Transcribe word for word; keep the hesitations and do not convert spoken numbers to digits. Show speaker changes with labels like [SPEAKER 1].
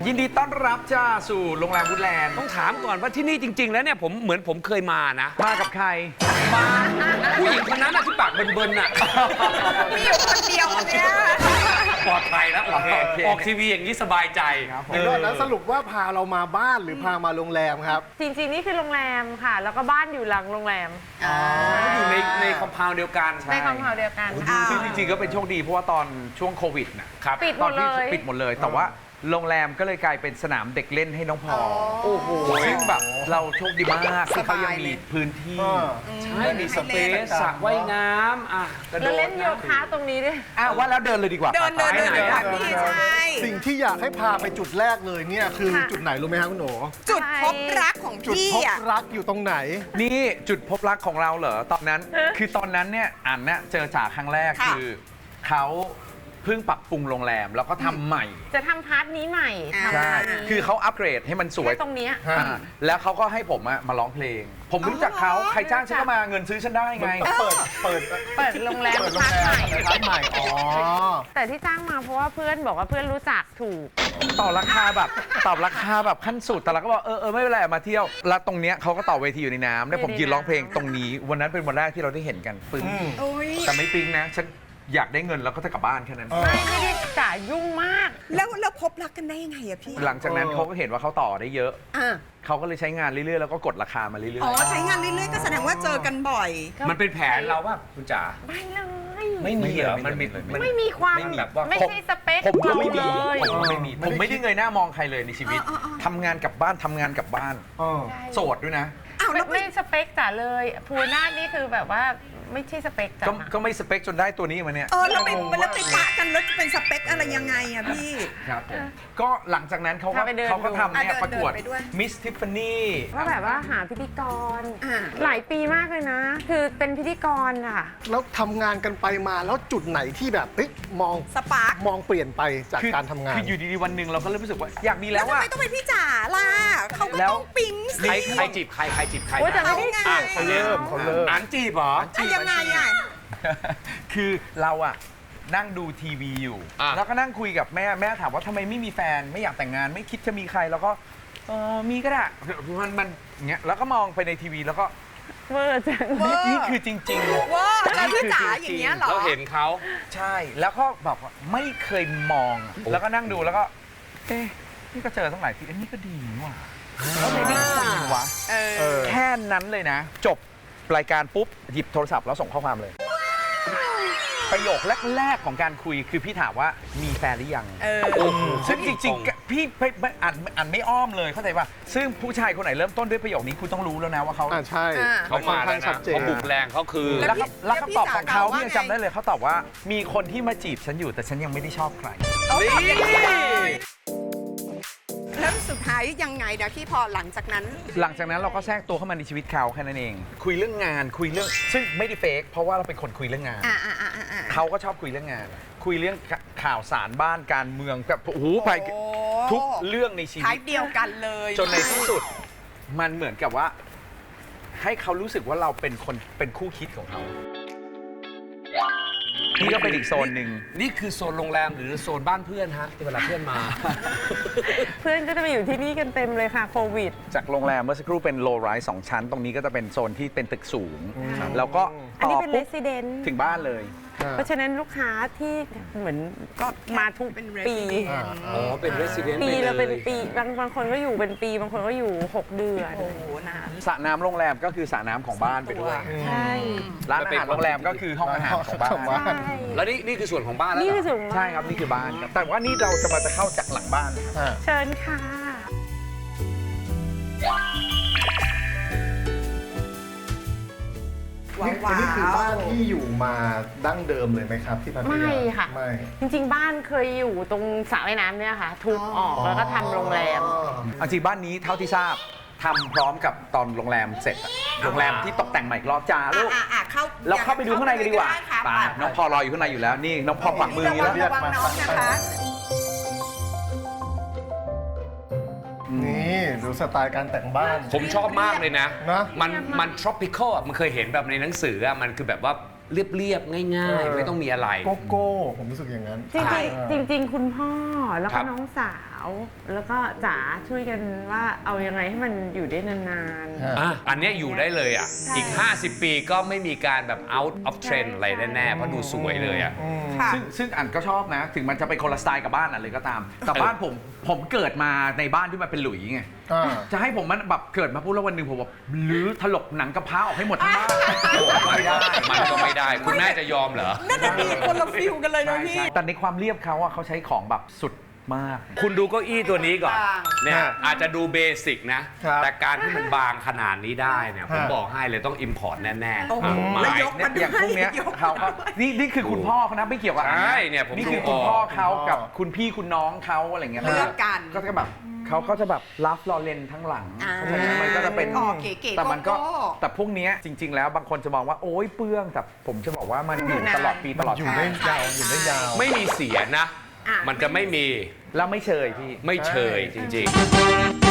[SPEAKER 1] ยินดีต้อนรับจ้าสู่โรงแรมวูดแลนด์
[SPEAKER 2] ต้องถามก่อนว่าที่นี่จริง ๆ แล้วเนี่ยผมเหมือนผมเคยมานะ
[SPEAKER 1] มากับใคร
[SPEAKER 2] มาผู้หญิงคนนั้นน่ะที่ปากเบิ่นๆน่ะ
[SPEAKER 3] มีอยู่คนเดียวคนเนี้ย
[SPEAKER 2] ปลอดภัยแล้วโอเคออกทีวีอย่างนี้สบายใจ
[SPEAKER 4] เดี๋ยวก่อนนะสรุปว่าพาเรามาบ้านหรือพามาโรงแรมครับ
[SPEAKER 5] จริงๆ นี่คือโรงแรมค่ะ แล้วก็บ้านอยู่หลังโรงแรม
[SPEAKER 2] อยู่ในในคอมเพลน์เดียวกัน
[SPEAKER 5] ในคอมเพลน์เดียวกัน
[SPEAKER 1] ซึ่งจริงๆก็เป็นโชคดีเพราะว่าตอนช่วงโควิดนะครับ
[SPEAKER 5] ปิดหมดเลย
[SPEAKER 1] ตอนที่ปิดหมดเลย แต่ว่าโรงแรมก็เลยกลายเป็นสนามเด็กเล่นให้น้องพอโอ้โหซึ่งแบบเราโชคดีมากที่เขายังมีพื้นที่
[SPEAKER 2] ใช่มีสเปซสระว่ายน้ำอ่ะกระโด
[SPEAKER 5] แล้ว
[SPEAKER 2] ด
[SPEAKER 5] เล่นโยคะตรงนี้ด้วย
[SPEAKER 1] อ้าวว่าแล้วเดินเลยดีกว่า
[SPEAKER 3] เดินเดินเดิน
[SPEAKER 1] ไป
[SPEAKER 3] เดิน
[SPEAKER 1] ไห
[SPEAKER 3] ค่ะพี่ใช่
[SPEAKER 4] สิ่งที่อยากให้พาไปจุดแรกเลยเนี่ยคือ
[SPEAKER 5] ค่ะ
[SPEAKER 4] จุดไหนรู้ไหมครับคุณโหน
[SPEAKER 3] จุดพบรักของ
[SPEAKER 4] จุด
[SPEAKER 3] พี่
[SPEAKER 4] พบ
[SPEAKER 3] อ่ะ
[SPEAKER 4] รักอยู่ตรงไหน
[SPEAKER 1] นี่จุดพบรักของเราเหรอตอนนั้น คือตอนนั้นเนี่ยอันเนี่ยเจอจ่าครั้งแรก
[SPEAKER 3] ค่ะ
[SPEAKER 1] คือเขาเพิ่งปรับปรุงโรงแรมแล้วก็ทำใหม่
[SPEAKER 5] จะทำพาร์ทนี้ใหม่
[SPEAKER 3] อ่า
[SPEAKER 5] ทำ
[SPEAKER 1] ใช่
[SPEAKER 5] พาร์ทนี้
[SPEAKER 1] คือเขาอัปเกรดให้มันสวย
[SPEAKER 5] แค่ตรงเนี้ย
[SPEAKER 4] ฮะ
[SPEAKER 1] อ่าแล้วเขาก็ให้ผมอะมาร้องเพลง ผมรู้จักเขาใครจ้างฉันก็มาเงินซื้อฉันได้ไง
[SPEAKER 4] เปิดเปิด
[SPEAKER 5] เปิดโรงแรม
[SPEAKER 4] เปิดโรง
[SPEAKER 5] พาร์ท
[SPEAKER 4] แร
[SPEAKER 5] ใหม่
[SPEAKER 4] มร้านใหม่อ๋อ
[SPEAKER 5] แต่ที่จ้างมาเพราะว่าเพื่อนบอกว่าเพื่อนรู้จักถูก
[SPEAKER 1] ต่อราคาแบบตอบราคาแบบขั้นสุดแต่เราก็บอกเออเออไม่เป็นไรมาเที่ยวแล้วตรงเนี้ยเขาก็ต่อเวทีอยู่ในน้ำแล้วผมยืนร้องเพลงตรงนี้ วันนั้นเป็นวันแรกที่เราได้เห็นกันปึ้ง
[SPEAKER 3] โอ้ย
[SPEAKER 1] แต่ไม่ปิ๊งนะฉันอยากได้เงินแล้วก็จะกลับบ้านแค่นั้น
[SPEAKER 5] ไม่ไม่ได้จ่ายยุ่งมาก
[SPEAKER 3] แล้วแล้วพบรักกันได้ยังไงอะพี่
[SPEAKER 1] หลังจากนั้นเขาก็เห็นว่าเขาต่อได้เยอะ
[SPEAKER 3] อ่ะ
[SPEAKER 1] เขาก็เลยใช้งานเรื่อยๆแล้วก็กดราคามาเรื่อย
[SPEAKER 3] อ๋อใช้งานเรื่อยๆก็แสดงว่าเจอกันบ่อย
[SPEAKER 2] มันเป็นแผนเราว่าคุณจ๋า
[SPEAKER 5] ไม่เลย
[SPEAKER 2] ไม่มีเหรอมันมี
[SPEAKER 5] ไม่มีความ
[SPEAKER 2] ไม่มีแบบว่า
[SPEAKER 5] ไม่ใช่สเปค
[SPEAKER 1] ๆผมก็ไม่มี
[SPEAKER 5] เราเลย
[SPEAKER 1] ผมก็ไม่มีผมไม่ได้เงยหน้ามองใครเลยในชีวิต
[SPEAKER 3] อ๋ออ๋ออ๋อ
[SPEAKER 1] ทำงานกลับบ้านทำงานกลับบ้าน
[SPEAKER 4] อ๋อ
[SPEAKER 1] โสดด้วยนะ
[SPEAKER 3] อ้าว
[SPEAKER 5] ไม่
[SPEAKER 3] แล้วไป
[SPEAKER 5] ไม่สเปคจ๋าเลยภูนาถนี่คือแบบว่าไม่ใช่สเปคจ๋า
[SPEAKER 1] ก็ก็ไม่สเปคจนได้ตัวนี้มาเนี่ย
[SPEAKER 3] เออแล้วไปแล้วไปปะกันแล้วจะเป็นสเปคอะไรยังไงอะพี่
[SPEAKER 1] ครับผมก็หลังจากนั้นเขาก็
[SPEAKER 5] พาไปเดิน
[SPEAKER 1] เขาก็ทำเนี่ย
[SPEAKER 3] อ่ะเดิน
[SPEAKER 1] ประกวด
[SPEAKER 3] เดินไปด้วย
[SPEAKER 1] มิสทิฟฟานี่
[SPEAKER 5] ว่าแบบว่าหาพิธีกร
[SPEAKER 3] อ่า
[SPEAKER 5] หลายปีมากเลยนะ คือเป็นพิธีกรอ่ะ
[SPEAKER 4] แล้วทำงานกันไปมาแล้วจุดไหนที่แบบเฮ้ยมอง
[SPEAKER 3] สปาร์ค
[SPEAKER 4] มองเปลี่ยนไปจาก
[SPEAKER 1] คือ
[SPEAKER 4] การทำงาน
[SPEAKER 1] คืออยู่ดีๆวันหนึ่งเราก็เริ่มรู้สึกว่าอยากมี
[SPEAKER 3] แล้
[SPEAKER 1] แล้ว ว
[SPEAKER 3] ทำ
[SPEAKER 1] ว่า
[SPEAKER 3] ไมต้องเป็นพี่จ๋าล่ะเขาก็
[SPEAKER 1] แล้ว
[SPEAKER 3] ต้องปิ๊งสิ
[SPEAKER 2] ใครใครจีบใครใครจีบใคร
[SPEAKER 5] โอ้ยแต่
[SPEAKER 2] นะ
[SPEAKER 5] ไม่ได้
[SPEAKER 3] เขาไง
[SPEAKER 5] จีบ
[SPEAKER 4] เขาเริ่มเขาเริ่ม
[SPEAKER 2] อ่านจีบเหรอ
[SPEAKER 3] อ่ะยังไงอะ
[SPEAKER 1] คือเราอะนั่งดูทีวีอยู่
[SPEAKER 2] อ่ะ
[SPEAKER 1] แล้วก็นั่งคุยกับแม่แม่ถามว่าทำไมไม่มีแฟนไม่อยากแต่งงานไม่คิดจะมีใครแล้วก็เออมีก็ได้มันมันอย่างเงี้ยแล้วก็มองไปในทีวีแล้วก็
[SPEAKER 5] เวอร์จัง
[SPEAKER 3] เวอร์
[SPEAKER 1] นี่คือจริงๆ
[SPEAKER 3] ว้าแล้วพี่จ๋าอย่างเงี้ยเหรอ
[SPEAKER 2] เราเห็นเขา
[SPEAKER 1] ใช่แล้วก็แบบว่าไม่เคยมอง แล้วก็นั่งดูแล้วก็ เอ๊ะนี่ก็เจอตั้งหลายทีเอ้ยนี่ก็ดีนี่หว่าแล้วไม่ได้คุยวะ
[SPEAKER 3] เออ
[SPEAKER 4] เออ
[SPEAKER 1] แค่นั้นเลยนะ จบรายการปุ๊บ หยิบโทรศัพท์แล้วส่งข้อความเลย ประโยคแรก ๆ ของการคุยคือพี่ถามว่ามีแฟนหรือยัง
[SPEAKER 3] เออ
[SPEAKER 2] โอ้โห
[SPEAKER 1] ซึ่งจริงๆ พี่ไม่ไม่อ่านอ่านไม่อ้อมเลยเข้าใจป่ะซึ่งผู้ชายคนไหนเริ่มต้นด้วยประโยคนี้คุณต้องรู้แล้วนะว่าเขา
[SPEAKER 4] อ่าใช่
[SPEAKER 3] อ่า
[SPEAKER 2] เขามา
[SPEAKER 4] ค่อน
[SPEAKER 2] แล้ว
[SPEAKER 4] ข้างชั
[SPEAKER 2] นะ
[SPEAKER 4] ดเจน
[SPEAKER 2] เขาบุกแรงเขาคือ
[SPEAKER 1] แล้วก็แล้วคำตอบของเขา
[SPEAKER 3] แล้วพี่
[SPEAKER 1] พี่ยัง
[SPEAKER 3] จ๋า
[SPEAKER 1] จำได้เลยเขาตอบว่ามีคนที่มาจีบฉันอยู่แต่ฉันยังไม่ได้ชอบใคร
[SPEAKER 3] เอาตอบอย่างนี้เลยแล้วสุดท้ายยังไงเดี๋ยวพี่พอหลังจากนั้น
[SPEAKER 1] หลังจากนั้นเราก็แทรกตัวเข้ามาในชีวิตเขาแค่นั้นเอง คุยเรื่องงานคุยเรื่องซึ่งไม่ได้เฟกเพราะว่าเราเป็นคนคุยเรื่องงาน
[SPEAKER 3] อ่าอ่าอ่าอ่า
[SPEAKER 1] เขาก็ชอบคุยเรื่องงาน คุยเรื่องข่าวสารบ้านการเมืองแบบโอ้โหไป
[SPEAKER 3] โอ้
[SPEAKER 1] ทุกเรื่องในชี
[SPEAKER 3] ท้า
[SPEAKER 1] วิ
[SPEAKER 3] ย
[SPEAKER 1] ต
[SPEAKER 3] เดียวกันเลย
[SPEAKER 1] จนในที่สุดมันเหมือนกับว่า ให้เขารู้สึกว่าเราเป็นคนเป็นคู่คิดของเขานี่ก็เป็นอีกโซนหนึ่ง
[SPEAKER 2] นี่คือโซนโรงแรมหรือโซนบ้านเพื่อนฮะที่เวลาเพื่อนมา
[SPEAKER 5] เพื่อนก็จะมาอยู่ที่นี่กันเต็มเลยค่ะโควิด
[SPEAKER 1] จากโรงแรมเมื่อสักครู่เป็นโลไรส์สองชั้น ตรงนี้ก็จะเป็นโซนที่เป็นตึกสูง แล้วก็
[SPEAKER 5] อัน
[SPEAKER 1] ต่
[SPEAKER 5] นี้
[SPEAKER 1] อ
[SPEAKER 5] เป็น
[SPEAKER 1] ปุ๊บ
[SPEAKER 5] resident
[SPEAKER 1] ถึงบ้านเลย
[SPEAKER 5] เพราะฉะนั้นลูกค้าที่เหมือนก็มาทุก
[SPEAKER 3] เป็น
[SPEAKER 5] ปี
[SPEAKER 3] resident
[SPEAKER 4] อ่า
[SPEAKER 2] อ๋อ เป็น resident
[SPEAKER 5] ปี
[SPEAKER 2] ไป
[SPEAKER 5] ละ
[SPEAKER 2] เล
[SPEAKER 5] เป็น
[SPEAKER 2] ย
[SPEAKER 5] ปีบางบางคนก็อยู่เป็นปี บางคนก็อยู่ หก เดือน
[SPEAKER 3] โอ้โหนาน
[SPEAKER 1] สระน้ำโรงแรมก็คือสระน้ำของบ้านไปด้วย
[SPEAKER 5] ใช่
[SPEAKER 1] ร้านอาหารโรงแรมก็คือห้องอาหารของบ้าน
[SPEAKER 4] ของบ้าน
[SPEAKER 5] ใช่
[SPEAKER 2] แล้วนี่นี่คือส่วนของบ้านแล้ว
[SPEAKER 5] นี่
[SPEAKER 2] เหร
[SPEAKER 5] คือ
[SPEAKER 2] อ
[SPEAKER 5] สูง
[SPEAKER 1] ใช่ครับนี่คือบ้านครับแต่ว่านี่เราจะมาจะเข้าจากหลังบ้าน
[SPEAKER 4] อ่า
[SPEAKER 5] เชิญค่ะ
[SPEAKER 3] ว้า
[SPEAKER 4] นี่
[SPEAKER 3] ว
[SPEAKER 4] นี่คือบ้านที่อยู่มาดั้งเดิมเลยไหมครับที่พัทยา
[SPEAKER 5] ไม่ค่ะ
[SPEAKER 4] ไม่
[SPEAKER 5] จริงๆ บ้านเคยอยู่ตรงสระว่ายน้ำเนี่ยค่ะ ทุบออกแล้วก็ทำโรงแรม
[SPEAKER 4] อ๋อ
[SPEAKER 1] เอาจริงบ้านนี้เท่าที่ทราบทำพร้อมกับตอนโรงแรมเสร็จอะโรงแรมที่ตกแต่งใหม่อีกรอบจ้าลูก
[SPEAKER 3] อ่ะอ่ะเข้า
[SPEAKER 1] เราเข้าไปดูข้างในกันดีกว่า
[SPEAKER 3] ค่ะ
[SPEAKER 1] ไปน้องพอรออยู่ข้างในอยู่แล้วนี่น้องพอปักมืออย่างนี้
[SPEAKER 3] ระ
[SPEAKER 1] แล้ว
[SPEAKER 3] วังระวังน้องนะคะ
[SPEAKER 4] นี่ดูสไตล์การแต่งบ้าน
[SPEAKER 2] ผมชอบมากเลยนะ
[SPEAKER 4] นะ
[SPEAKER 2] มันมัน tropical อ่ะมันเคยเห็นแบบในหนังสืออ่ะมันคือแบบว่าเรียบๆ ง่าย
[SPEAKER 4] เออ
[SPEAKER 2] ๆ ไม่ต้องมีอะไร
[SPEAKER 4] โกโก้ผมรู้สึกอย่างนั้น
[SPEAKER 5] จริง
[SPEAKER 4] ใช่
[SPEAKER 5] ๆจริง ๆ คุณพ่อแล้ว
[SPEAKER 2] ครั
[SPEAKER 5] ก็
[SPEAKER 2] บ
[SPEAKER 5] น้องสาวแล้วก็จ๋าช่วยกันว่าเอายังไงให้มันอยู่ได้นาน
[SPEAKER 2] อ่ะอันเนี้ยอยู่ได้เลยอ่ะ
[SPEAKER 5] ใช่
[SPEAKER 2] อีก ห้าสิบ ปีก็ไม่มีการแบบ out of trend อะไรแน่ๆเพราะดูสวยเลยอ่ะ
[SPEAKER 3] ค่ะ
[SPEAKER 1] ซึ่งซึ่งอันก็ชอบนะ ถึงมันจะเป็นคนละสไตล์กับบ้านอันเลยก็ตาม แต่บ้านผมผมเกิดมาในบ้านที่มันเป็นหลุยไง
[SPEAKER 4] อ่า
[SPEAKER 1] จะให้ผมมันแบบเกิดมาพูดแล้ววันหนึ่งผมแบบลื้อถลกหนังกระพร้าออกให้หมดทั้งบ้าน
[SPEAKER 2] โอ้ไม่ได้ มันก็ไม่ได้ คุณแม่จะยอมเหรอ
[SPEAKER 3] นั่นน่ะดีคนละฟิลกันเลยนะ
[SPEAKER 1] ใช่
[SPEAKER 3] พี่
[SPEAKER 1] ใช่แต่ในความเรียบเขาอะเขาใช้ของแบบสุดมาก
[SPEAKER 2] คุณดูเก้าอี้ตัวนี้ก่อน
[SPEAKER 3] บาง
[SPEAKER 2] เนี่ย
[SPEAKER 4] ฮะ
[SPEAKER 2] อาจจะดูเบสิกนะ
[SPEAKER 4] ครับ
[SPEAKER 2] แต่การที่มันบางขนาดนี้ได้เนี่ยผม
[SPEAKER 4] ฮะ
[SPEAKER 2] บอกให้เลยต้อง import แน่ๆ
[SPEAKER 3] โอ้โห
[SPEAKER 2] อ่ะ
[SPEAKER 3] แล้ว
[SPEAKER 2] ไม้
[SPEAKER 3] ยก
[SPEAKER 1] เนี่ยอย่างพวกเนี้ยเขาก็นี่นี่คือคุณพ่อเขานะไม่เกี่ยวกับอัน
[SPEAKER 2] ใช่เนี่ยผม
[SPEAKER 1] นี่คือ
[SPEAKER 2] ดู
[SPEAKER 1] คุณ
[SPEAKER 2] ออก
[SPEAKER 1] พ่อเขา
[SPEAKER 4] คุณพ่อ
[SPEAKER 1] กับคุณพี่คุณน้องเขาอะไรเงี้ย
[SPEAKER 3] เลือกกัน
[SPEAKER 1] ก็จะแบบเขาก็จะแบบลัฟลอเรนทั้งหลัง
[SPEAKER 3] อ่า
[SPEAKER 1] เพราะฉะนั้นมันก็จะเป็น
[SPEAKER 3] อ๋อเก๋ๆ
[SPEAKER 1] แต่มันก็
[SPEAKER 3] โก้
[SPEAKER 1] แต่พวกเนี้ยจริง ๆ แล้วบางคนจะมองว่าโอ๊ยเปลืองแต่ผมจะบอกว่ามันอยู่ตลอดปีตลอด
[SPEAKER 4] อยู่
[SPEAKER 1] ชา
[SPEAKER 4] ได้
[SPEAKER 1] ติ
[SPEAKER 4] ยาวอยู่ได้ยาว
[SPEAKER 2] ไม่มีเสียนะ
[SPEAKER 3] อ่ะ
[SPEAKER 2] มันจะไม่มี
[SPEAKER 1] แล้วไม่เชยพี่
[SPEAKER 2] ไม่เชยจริง ๆ